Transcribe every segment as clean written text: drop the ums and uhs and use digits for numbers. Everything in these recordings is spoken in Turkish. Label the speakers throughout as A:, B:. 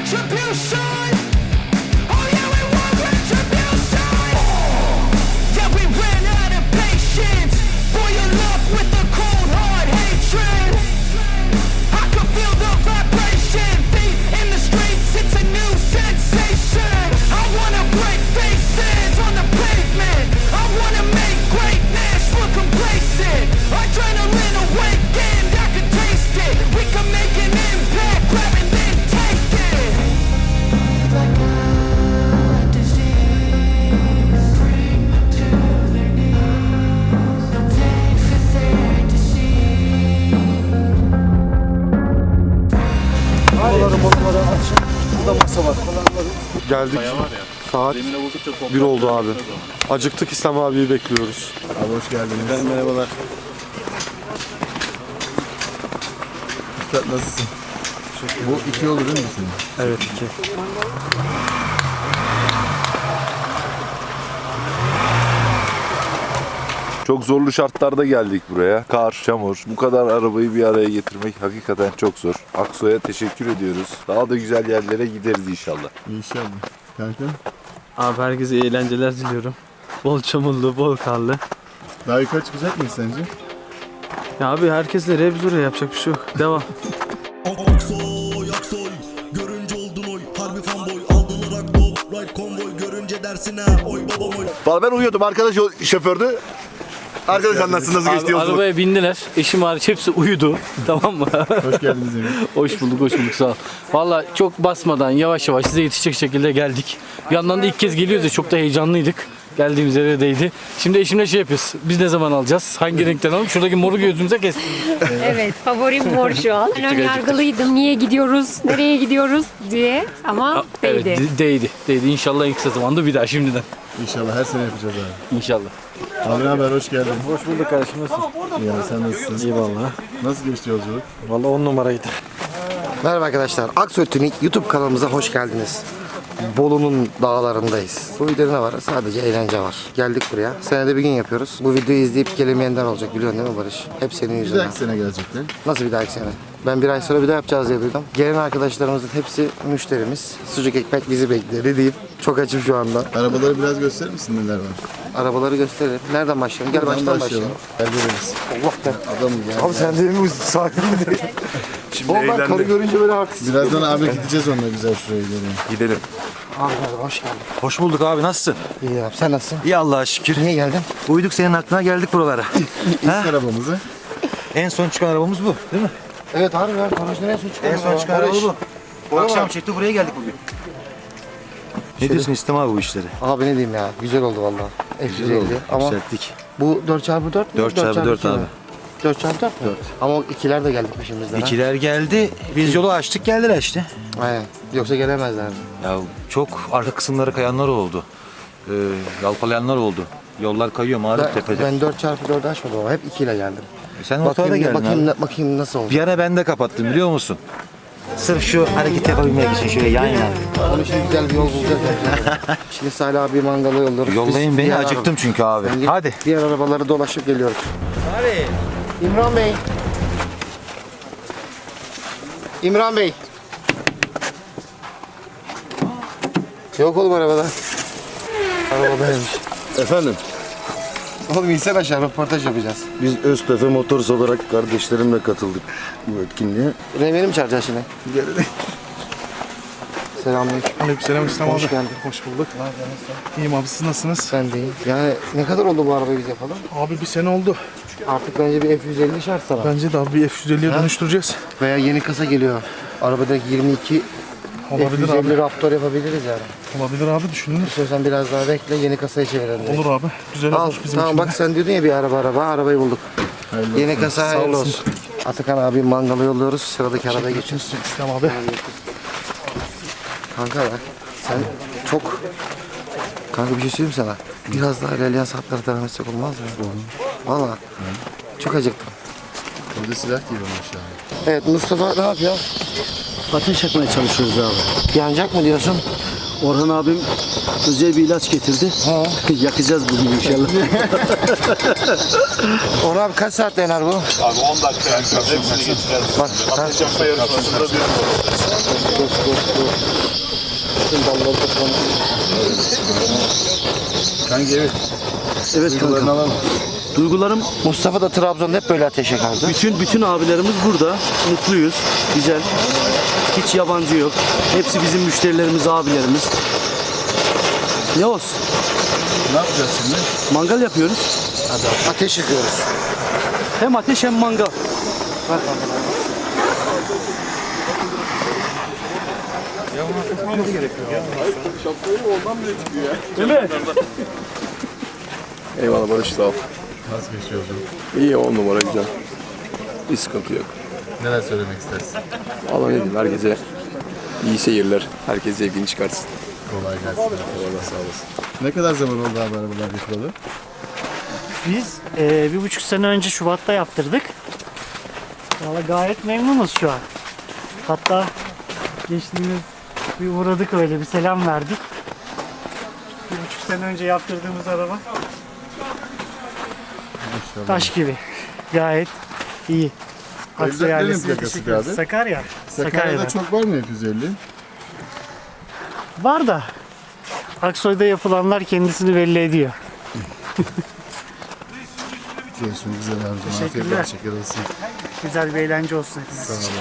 A: retribution. Oh yeah, we want retribution. Yeah, we ran out of patience. Boil up with the cold hard hatred. I can feel the vibration. Feet in the streets, it's a new sensation. I wanna break faces on the pavement. I wanna make greatness look complacent. Adrenaline awakened, I can taste it. We can make an impact, grab and then take it. Like a disease, bring to their knees. Take for their disease.
B: Balıkları açın. Burada masa var. Geldik. Saat 1 oldu abi. Acıktık, İslam abiyi bekliyoruz.
C: Abi hoş geldiniz. Merhabalar. Üstad nasılsın? Bu 2 olur değil mi senin?
B: Evet 2.
D: Çok zorlu şartlarda geldik buraya. Kar, çamur. Bu kadar arabayı bir araya getirmek hakikaten çok zor. Aksoy'a teşekkür ediyoruz. Daha da güzel yerlere gideriz inşallah.
C: İnşallah. Kanka?
E: Abi herkese iyi eğlenceler diliyorum. Bol çamurlu, bol karlı.
C: Daha yukarı çıkacak mıyız sence?
E: Ya abi herkes nereye biz oraya yapacak bir şey yok. Devam.
F: Aksoy, Aksoy, görünce oldun oy. Harbi fanboy, aldılar aklo. Right konvoy, görünce dersin ha. Oy babam oy.
G: Valla ben uyuyordum. Arkadaş şofördü. Arkadaş anlatsın nasıl geçti
E: Abi
G: yolculuk.
E: arabaya bindiler. Eşim hariç hepsi uyudu. Tamam mı?
C: Hoş geldiniz Emir.
E: Hoş bulduk sağ ol. Valla çok basmadan yavaş yavaş size yetişecek şekilde geldik. Bir yandan da ilk kez geliyoruz ya, çok da heyecanlıydık. Geldiğimiz yere değdi. Şimdi eşimle şey yapıyoruz. Biz ne zaman alacağız? Hangi renkten alalım? Şuradaki moru gözümüze kestik.
H: Evet, favorim mor şu an. Ben ön yargılıydım. Niye gidiyoruz, nereye gidiyoruz diye. Ama
E: Evet,
H: değdi.
E: değdi. İnşallah en kısa zamanda bir daha şimdiden.
C: İnşallah her sene yapacağız abi.
E: İnşallah.
C: Abi ne haber? Hoş geldin.
B: Hoş bulduk kardeşim, nasılsın?
C: İyi abi sen nasılsın?
B: İyi valla.
C: Nasıl geçti yolculuk?
B: Valla 10 numaraydı.
I: Merhaba arkadaşlar, Aksoy Tuning YouTube kanalımıza hoş geldiniz. Bolu'nun dağlarındayız. Bu videoda ne var? Sadece eğlence var. Geldik buraya. Senede bir gün yapıyoruz. Bu videoyu izleyip gelemeyenler olacak, biliyorsun değil mi Barış? Hep senin
C: Bir
I: yüzünden.
C: dahaki sene gelecekler.
I: Nasıl bir dahaki sene? Ben bir ay sonra bir daha yapacağız diye duydum. Gelen arkadaşlarımızın hepsi müşterimiz. Sucuk ekmek bizi bekliyor deyip çok açım şu anda.
C: Arabaları biraz gösterir misin neler var?
I: Arabaları gösterelim. Nereden başlayalım? Gel baştan başlayalım.
C: Gel veririz.
I: Allah be.
C: Adamım ya.
I: Abi sen de mi sakin değil? Şimdi oğlum ben karı görünce böyle artist.
C: Birazdan abi gideceğiz onunla güzel şuraya gidelim.
D: Gidelim.
I: Abi merhaba, hoş geldin.
J: Hoş bulduk abi, nasılsın?
I: İyi abi, sen nasılsın?
J: İyi Allah'a şükür.
I: Niye geldin?
J: Uyduk senin aklına, geldik buralara.
C: İlk arabamızı.
J: En son çıkan arabamız bu değil mi?
I: Evet abi ya, konuştuğun en son çıkan.
J: En son çıkan araba bu. Akşam çekti, buraya geldik bugün. Ne diyorsun İstem abi bu işleri?
I: Abi ne diyeyim ya, güzel oldu vallahi. F150 ama
J: Yükselttik.
I: bu 4x4 mü?
J: 4x4 abi.
I: 4x4 mü? 4. Ama o ikiler de geldik peşimizden.
J: İkiler geldi, biz yolu açtık, geldiler işte.
I: Aynen. Yoksa gelemezlerdi.
J: Ya çok arka kısımları kayanlar oldu. Yalpalayanlar oldu. Yollar kayıyor mağrip tepede.
I: Ben 4x4 açmadım ama hep ikiyle geldim.
J: Sen ortada geldin abi.
I: Bakayım nasıl oldu.
J: Bir ara ben de kapattım biliyor musun? Sırf şu hareket yapabilmek için şöyle yan yana.
I: Onun için güzel bir yol bulacağız. Şimdi Salih abi mangala yolluyoruz.
J: Yollayın
I: Biz
J: beni,
I: diğer
J: acıktım çünkü abi.
I: Sen git,
J: Hadi.
I: Diğer arabaları dolaşıp geliyoruz. İmran Bey. İmran Bey. Yok oğlum arabada. Arabadaymış.
G: Efendim,
I: Oğlum insene aşağı, röportaj yapacağız.
G: biz Öztefe Motors olarak kardeşlerimle katıldık bu etkinliğe.
I: Remeni mi çağıracaksın şimdi? Selamünaleyküm.
K: Aleykümselam İslam
I: Hoş
K: abi.
I: geldin.
K: Hoş bulduk. İyiyim abi, siz nasılsınız?
I: Ben de iyiyim. Yani ne kadar oldu bu arabayı biz yapalım?
K: Abi bir sene oldu.
I: Artık bence bir F150 şart sana.
K: Bence de abi bir F150'ye dönüştüreceğiz.
I: Veya yeni kasa geliyor. Arabadaki 22
K: Olabilir
I: F150
K: abi.
I: Raptor yapabiliriz yani.
K: Olabilir abi, düşünülür.
I: İstiyorsan biraz daha bekle, yeni kasaya çevirelim. direkt.
K: Olur abi. Güzel
I: Al,
K: olur bizim
I: tamam
K: için.
I: bak sen diyordun ya bir arabayı bulduk. Yeni kasa hayırlı
K: olasın.
I: olsun. Atakan abi mangala yolluyoruz, sıradaki arabaya geçiyoruz.
K: İslam abi.
I: Kanka bak, sen çok... Kanka bir şey söyleyeyim sana. Biraz daha ilerleyen saatlere devam etsek olmaz mı? Valla. Çok acıktım.
C: Burada silah gibi aşağı.
I: Evet Mustafa ne yapıyor?
B: Ateş yakmaya çalışıyoruz abi.
I: Yanacak mı diyorsun?
B: Orhan abim
G: özel bir ilaç getirdi. Yakacağız bugün inşallah.
I: Onu abi kaç saatte yanar bu?
D: Abi 10 dakika yakacağız. Hepsini geçeceğiz.
I: Bak.
D: Ateş yapma yarışmasında bir
C: Kanka evet.
G: Evet kanka. Duygularım
I: Mustafa da Trabzon'da hep böyle ateş yakardı.
G: bütün abilerimiz burada. Mutluyuz. Güzel. Hiç yabancı yok. Hepsi bizim müşterilerimiz, abilerimiz. Ne olsun?
C: Ne yapacağız şimdi?
G: Mangal yapıyoruz.
I: Ateş yakıyoruz.
G: Hem ateş hem mangal.
B: Eyvallah Barış, sağ ol.
C: Nasıl geçiyor yolculuk?
B: İyi, 10 numara güzel. Bir sıkıntı yok.
C: Neler söylemek istersin?
B: Allah ne diyeyim, herkese iyi seyirler. Herkes zevkini çıkarsın.
C: Kolay gelsin. Eyvallah, sağ olasın. Ne kadar zaman oldu abi arabalar yapılalı?
L: Biz 1,5 sene önce Şubat'ta yaptırdık. Valla gayet memnunuz şu an. Hatta geçtiğimiz bir uğradık, öyle bir selam verdik. 1,5 sene önce yaptırdığımız araba taş gibi. Gayet iyi. Aksoy
C: Nerenin
L: ailesine
C: plakası
L: teşekkür ederiz.
C: abi?
L: Sakarya.
C: Sakarya'da çok var mı F-150?
L: Var da Aksoy'da yapılanlar kendisini belli ediyor.
C: Görüşmek üzere abicim.
L: Teşekkürler.
C: Teşekkür olsun.
L: Güzel bir eğlence olsun hepimiz
C: Sağ
L: için.
C: olun.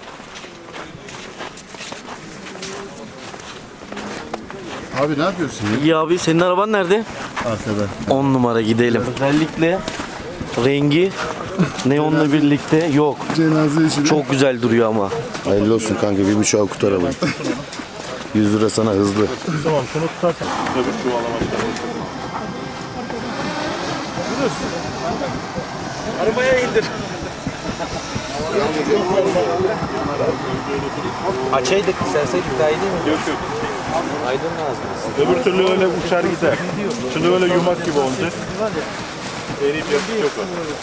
C: Abi ne yapıyorsun ya?
G: İyi abi, senin araban nerede?
C: Arkada.
G: 10 numara, gidelim. Özellikle rengi neonla birlikte yok.
C: Cenaze işi.
G: Çok güzel duruyor ama. Hayırlı olsun kanka, 1,5'a kurtaralım. 100 lira sana hızlı.
E: Arabaya indir.
J: Açaydık istersek daha iyi değil mi? Yok yok. Aydın lazım.
K: Öbür türlü öyle uçar gider. Şimdi öyle yumak gibi olacak. Eriyip yapıp yok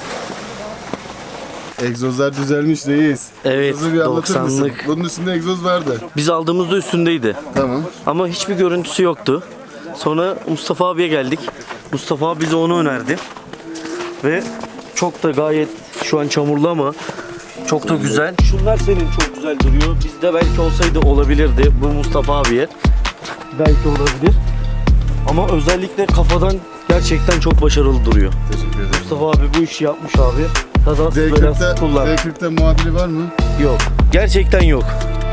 K: o.
C: Egzozlar düzelmiş reis.
G: Evet,
C: Egzozu bir anlatır mısın?
G: 90'lık.
C: Bunun üstünde egzoz vardı.
G: Biz aldığımızda üstündeydi.
C: Tamam.
G: Ama hiçbir görüntüsü yoktu. Sonra Mustafa abiye geldik. Mustafa abi bize onu önerdi. Ve çok da gayet şu an çamurlu ama çok da güzel. Şunlar senin çok güzel duruyor. Bizde belki olsaydı olabilirdi. Bu Mustafa abiye belki olabilir. Ama özellikle kafadan gerçekten çok başarılı duruyor.
C: Teşekkür ederim.
G: Mustafa abi bu işi yapmış abi. Kazasız belasız kullan.
C: D40'ta muadili var mı?
G: Yok. Gerçekten yok.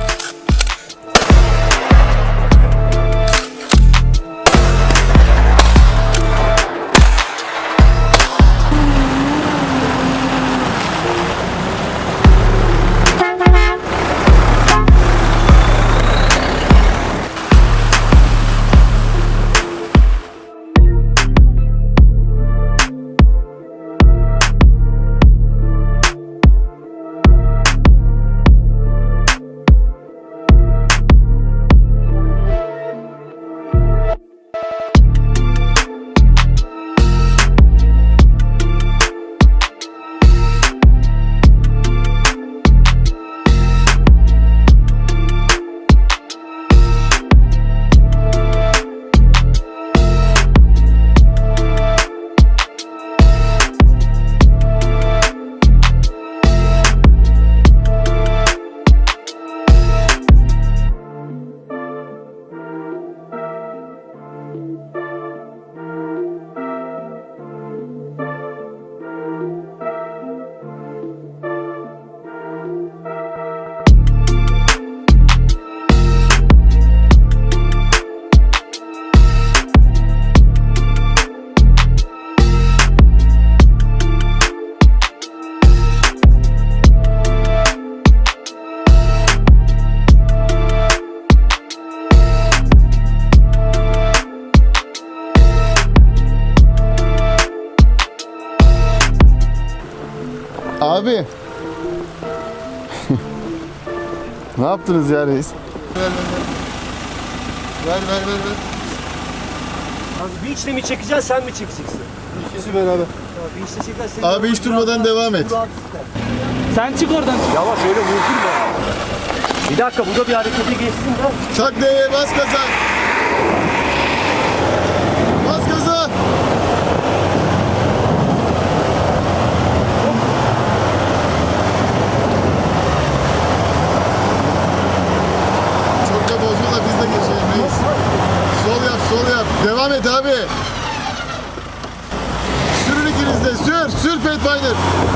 C: Abi. Ne yaptınız ya reis? Ver.
L: Bir içte mi çekeceksin, sen mi çekeceksin?
C: İkisi beraber.
L: Bir içte çekersen...
C: Abi hiç durmadan devam et.
L: Sen çık oradan.
G: Yavaş, öyle vurdurma. Bir dakika, burada bir harekete geçsin de.
C: Tak D'ye bas gaza. Devam et abi. Sürün ikiniz de. Sür Pathfinder.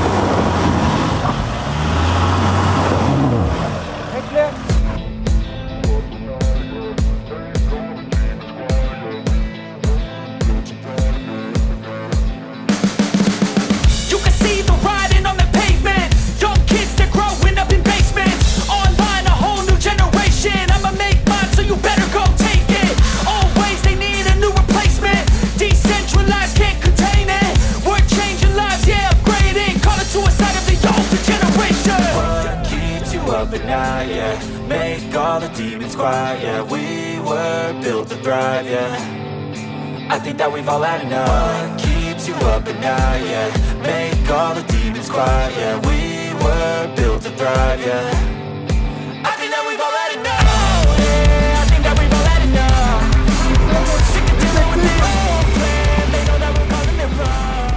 A: You can see the writing on the pavement. Young kids, they're growing up in basements. Online, a whole new generation. I'ma make mine, so you better go take it. Always, they need a new replacement. Decentralized, can't contain it. We're changing lives, yeah, upgrading. Call it suicide of the older generation.
M: What keeps you up at night, yeah? Make all the demons quiet, yeah. We were built to thrive, yeah. I think that we've all had enough. What keeps you up at night, yeah? Make all the demons quiet, yeah. We were built to thrive, yeah. I think that we've all had enough. Oh, yeah, I think that we've all had enough. Sick of dealing with the old plan. They know that we're calling it wrong.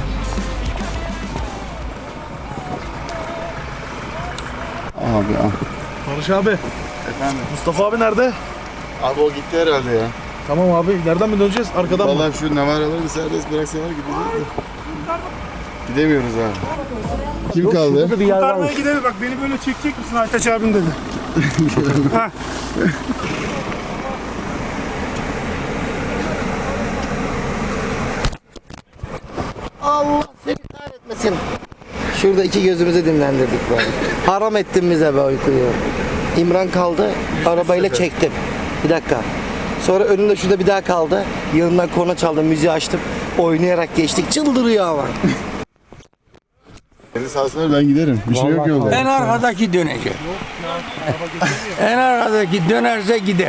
K: Barış abi. Efendim. Mustafa abi nerede?
C: Abi o gitti herhalde ya.
K: Tamam abi. Nereden mi döneceğiz? Arkadan mı?
C: Vallahi şu navaraları bir serbest bıraksalar gideceğiz de. Gidemiyoruz abi. Kim kaldı?
K: Kurtarmaya gidelim. Bak beni böyle çekecek misin Aytaç abim dedi. Heh.
I: Allah seni kahretmesin. Şurada iki gözümüzü dinlendirdik böyle. Haram ettin bize be uykuyu. İmran kaldı, arabayla çektim. Bir dakika. Sonra önümde şurada bir daha kaldı. Yanından korna çaldım, müziği açtım. Oynayarak geçtik. Çıldırıyor ama.
C: Beni salsınlar ben giderim. Bir şey yok yolda.
N: En arkadaki dönecek. En arkadaki dönerse gider.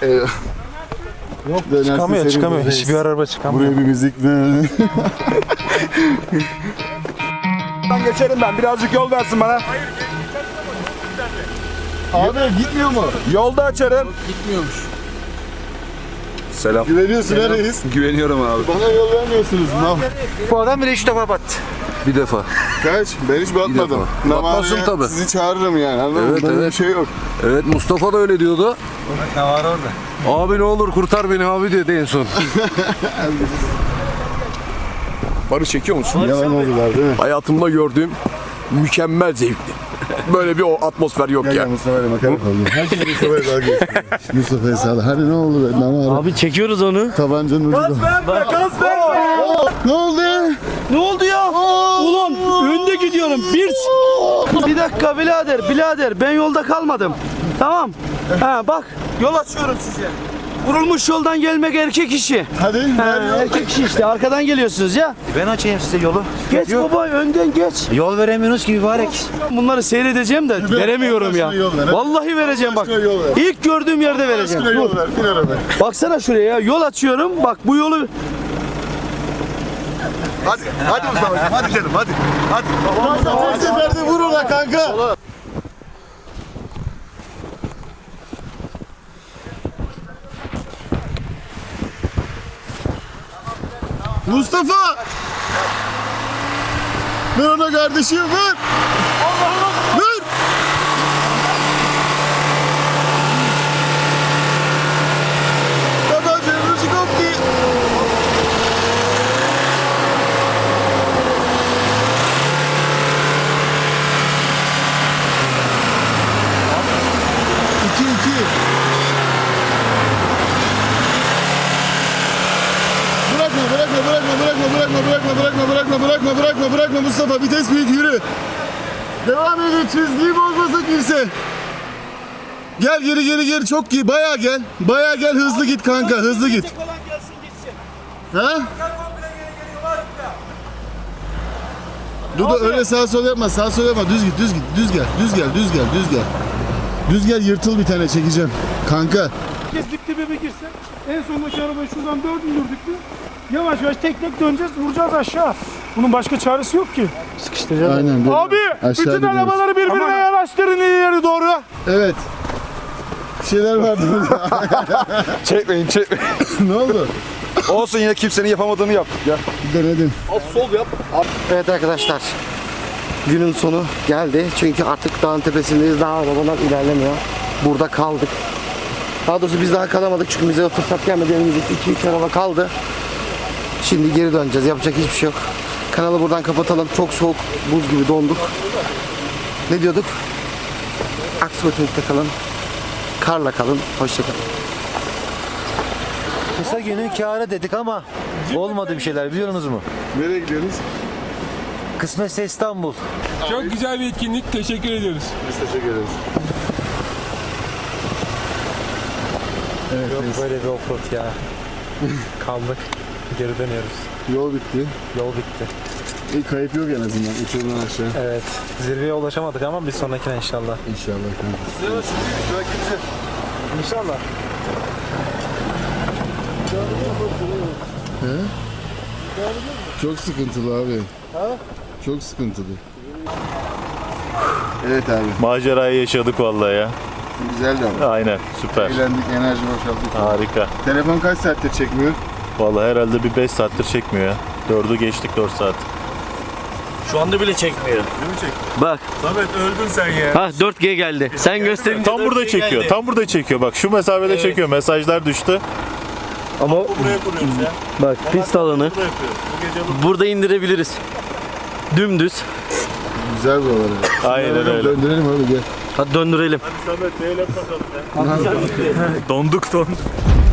C: Yok çıkamıyor.
K: Hiçbir araba çıkamıyor.
C: Buraya bir müzik ne?
K: Ben geçerim ben. Birazcık yol versin bana.
C: Abi gitmiyor mu?
K: Yolda açarım.
D: Selam.
C: Güveniyorsun ha reis.
D: Güveniyorum abi.
C: Bana yol vermiyorsunuz.
I: Bu adam bile 3 defa battı.
D: Bir defa.
C: Kaç? Ben hiç batmadım.
D: Batmazsın tabii.
C: Sizi çağırırım yani. Anladın mı?
D: Evet,
C: Böyle
D: evet.
C: bir şey yok.
D: Evet, Mustafa da öyle diyordu.
J: Ne var orada?
D: Abi ne olur kurtar beni abi dedi en son.
K: Barış çekiyor musun?
C: Yalan oldular değil mi?
K: Hayatımda gördüğüm mükemmel zevkti. Böyle bir atmosfer yok
C: Gel Mustafa'yla makara kaldı. Her şey Mustafa'ya dalga geçiyor. Mustafa'ya sağla. Hadi ne oldu be? Namara.
G: Abi çekiyoruz onu.
C: Tabancanın ucu da.
K: Gaz verme!
C: Ne oldu?
G: Ne oldu ya? Ulan önde gidiyorum. Bir dakika birader ben yolda kalmadım. Tamam. Ha bak yol açıyorum size. Vurulmuş yoldan gelmek erkek işi.
C: Hadi.
G: Erkek işi işte arkadan geliyorsunuz ya.
J: Ben açayım size yolu.
G: Geç baba önden geç.
J: Yol veremiyorsunuz ki mübarek.
G: Bunları seyredeceğim de veremiyorum ya.
C: yol ver.
G: Vallahi vereceğim bak.
C: Başka yol ver.
G: İlk gördüğüm yerde vereceğim.
C: Başka yol ver. Bin arabaya.
G: Baksana şuraya ya. Yol açıyorum. Bak bu yolu
C: Hadi Mustafa'cığım. Hadi canım hadi. Hadi. Tek seferde vur ona kanka. Mustafa! Ver ona kardeşim ver! Ver! Tabancanın ucu koptu. İki. Bırakma Mustafa, vites büyük, yürü. Devam edin, çizgiyi bozmasa kimse. Gel geri çok iyi, bayağı gel, hızlı git kanka, hızlı git. Ha? Dudu öyle sağ sol yapma, düz gel, yırtıl bir tane çekeceğim. Kanka.
K: Herkes dip dibe girse en sondaki arabayı şuradan dördürdük mü yavaş tek döneceğiz, vuracağız aşağı. Bunun başka çaresi yok ki.
G: sıkıştıracağız.
C: Aynen böyle.
K: Abi bütün arabaları birbirine yanaştırın ileri doğru.
C: Evet. Bir şeyler vardı burada.
K: Çekmeyin.
C: Ne oldu?
K: Olsun, yine kimsenin yapamadığını yap. Gel.
C: Denedim.
K: Az sol yap.
I: Evet arkadaşlar. Günün sonu geldi. Çünkü artık dağın tepesindeyiz. Daha arabalar ilerlemiyor. Burada kaldık. Daha doğrusu biz daha kalamadık çünkü bize o fırsat gelmedi. Elimizde 2-3 araba kaldı. Şimdi geri döneceğiz. Yapacak hiçbir şey yok. Kanalı buradan kapatalım. Çok soğuk, buz gibi donduk. Ne diyorduk? Aksoy Otonik'te kalın. Karla kalın. Hoşçakalın.
J: Kısa günün kârı dedik ama olmadı bir şeyler biliyorsunuz mu?
C: Nereye gidiyorsunuz?
J: Kısmetse İstanbul.
K: Çok güzel bir etkinlik. Teşekkür ediyoruz.
C: Biz teşekkür ederiz. Evet,
J: Yok böyle bir offroad ya. Kaldık. Geri dönüyoruz.
C: yol bitti.
J: Yol bitti.
C: İyi, kayıp yok en azından uçurumdan aşağı.
J: Evet. Zirveye ulaşamadık ama bir sonrakine inşallah.
C: İnşallah.
J: İnşallah.
C: He? Çok sıkıntılı abi. Çok sıkıntılı. Evet abi.
O: Macerayı yaşadık vallahi ya.
C: Güzeldi ama.
O: Aynen, süper.
C: Eğlendik, enerji boşalttık.
O: Harika.
C: Telefon kaç saattir çekmiyor?
O: Vallahi herhalde bir 5 saattir çekmiyor ya. 4'ü geçtik, 4 saat.
G: Şu anda bile çekmiyor.
C: Değil mi çekti?
G: Bak.
O: Samet öldün sen ya.
G: Ha 4G geldi. Sen gösterince
O: Tam burada
G: 4G
O: çekiyor.
G: geldi.
O: Tam burada çekiyor. Bak şu mesafede
G: Evet.
O: çekiyor. Mesajlar düştü.
G: Ama
O: Buraya kuruyoruz ya.
G: bak pist alanı.
O: Burada yapıyoruz. Bu gece
G: Burada indirebiliriz. Dümdüz.
C: Güzel bu arada.
O: Aynen öyle.
C: Döndürelim abi gel.
G: Hadi döndürelim.
O: Hadi Samet, neyle bakalım ya. Donduk.